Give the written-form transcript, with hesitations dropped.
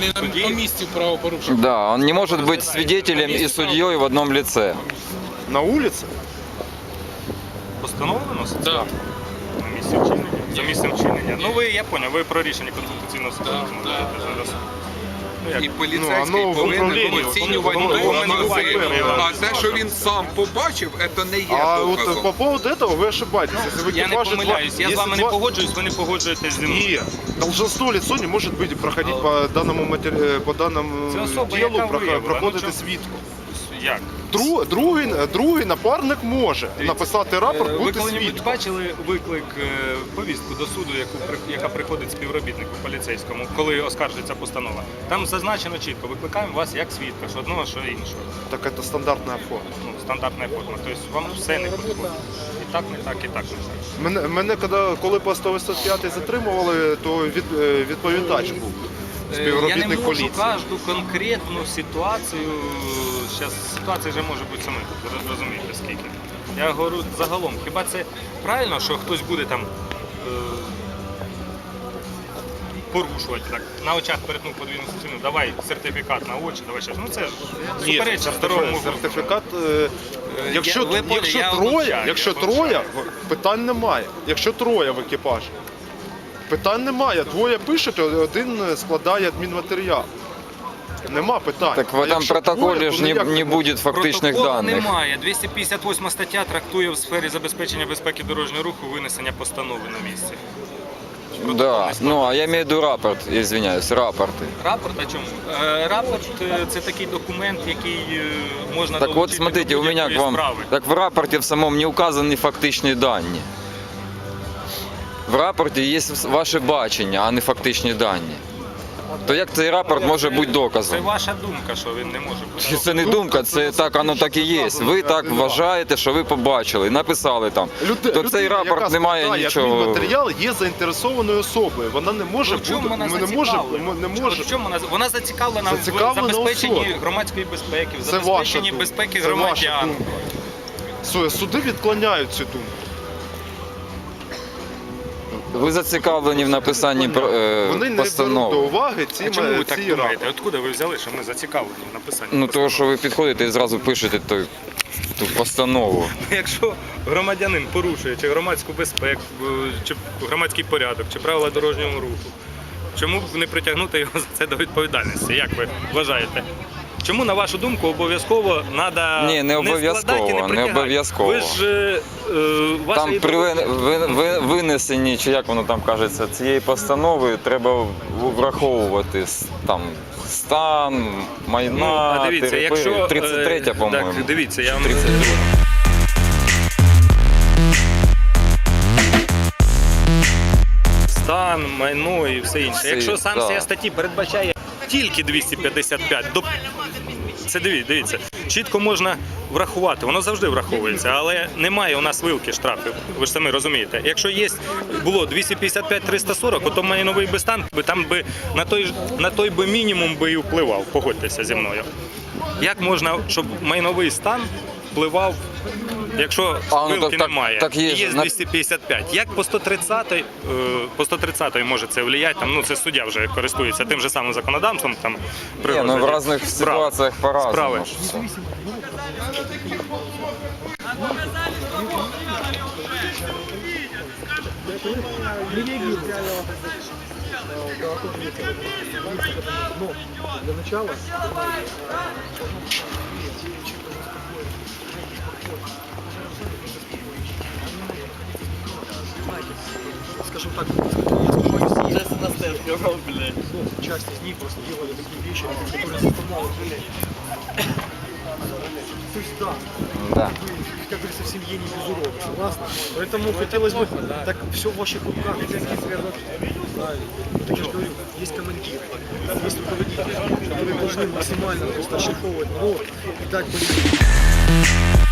на місці правопорушення. Да, он не может быть свидетелем и судьей в одном лице. На улице? Постанова виноситься? Да. На місці вчинення? За місцем вчинення. Ну ви, я поняв, ви про рішення Конституційного суду розмовляєте зараз. І Ну, поліцейський воно в повинен управлінні, оцінювати воно докази. воно А те, що він сам побачив, це не є А вот доказом. по поводу этого вы ошибаетесь. Если в Я не экипаже помиляюсь, я з вами не погоджуюсь, ви не погоджуєтесь зі мною. И должностное лицо не может быть проходить по данному по данному Це особа, делу, яка виявила. проходити Ну, свідку. Як? Другий напарник може написати рапорт, Ви бути коли-небудь свідком. бачили виклик, повістку до суду, яка приходить співробітнику поліцейському, коли оскаржується постанова? Там зазначено чітко, викликаємо вас як свідка, що одного, що іншого. Так це стандартна форма. Ну, стандартна форма. Тобто вам все не підходить. І так не так, і так не так. Мене коли по 185 затримували, то відповідач був. Я не Співробітник можу поліції. кожну конкретну ситуацію, зараз ситуація вже може бути саме, розумієте скільки. Я говорю загалом, хіба це правильно, що хтось буде там порушувати, так, на очах перетнув подвійну частину, давай сертифікат на очі, давай щось. Ну це ж Ні, суперечить здоровому сертифікат, якщо вибачаю. троє, питань немає. Якщо троє в екіпажі, питань немає. Двоє пишуть, один складає адмінматеріал. Нема питань. Так в А этом якщо протоколе троє, же то не, ніяк не будет фактичных Протоколу данных. немає. 258 стаття трактує в сфері забезпечення безпеки дорожнього руху винесення постанови на місці. Да, ну а я имею в виду рапорт, извиняюсь, рапорты. Рапорт о чому? Рапорт це такий документ, який можна Так вот, долучити смотрите, до у меня к будь-якої вам, справи. так в рапорте в самом не указаны фактичні дані. В рапорті є ваше бачення, а не фактичні дані. То як цей рапорт може бути Це доказом? ваша думка, що він не може бути. Це не думка, це так, воно так і є. Ви так вважаєте, що ви побачили, написали там. То цей рапорт не має нічого. Адмінматеріал є заінтересованою особою. Вона не може В чому бути, вона не зацікавлена? може. В чому вона зацікавлена в Зацікавлена забезпеченні особа. громадської безпеки, в Це ваша забезпеченні думка. безпеки Це ваша громадян. думка. Суди відклоняють цю думку. Ви зацікавлені в написанні Вони не беруть до постанови. уваги А чому ви так ці думаєте? рапорти. Откуда ви взяли, що ми зацікавлені в написанні Ну постанови? того, що ви підходите і зразу пишете ту постанову. Якщо громадянин порушує чи громадську безпеку, чи громадський порядок, чи правила дорожнього руху, чому б не притягнути його за це до відповідальності? Як ви вважаєте? Чому, на вашу думку, обов'язково треба Ні, не обов'язково, складати і не не притягати? обов'язково. Ви ж ваша Там при винесенні, чи як воно там кажеться, цієї постанови треба враховувати там стан, майна, а дивіться, територію. якщо 33, по-моєму. Так, дивіться, я вам 32. стан, майно і все інше. Все, Якщо санкція да. статті передбачає тільки 255, це дивіться, чітко можна врахувати, воно завжди враховується, але немає у нас вилки штрафів, ви ж самі розумієте. Якщо було 255-340, то майновий би стан, там би на той би мінімум би і впливав, погодьтеся зі мною. Як можна, щоб майновий стан впливав, якщо вилки немає, так і є є ж 255. Як по 130 може це впливати? Там, це суддя вже користується тим же самим законодавством. Там, Ні, ну в різних ситуаціях по-разному. Справи. Для начала скажем так, часть из них просто делали такие вещи, которые заставляют жалеть. То есть да, Да. как говорится, в семье не без урода, согласны? Поэтому хотелось бы, так все в ваших руках, правильно. Так я же говорю, есть командиры, есть руководители, которые должны максимально просто шлифовывать народ и дать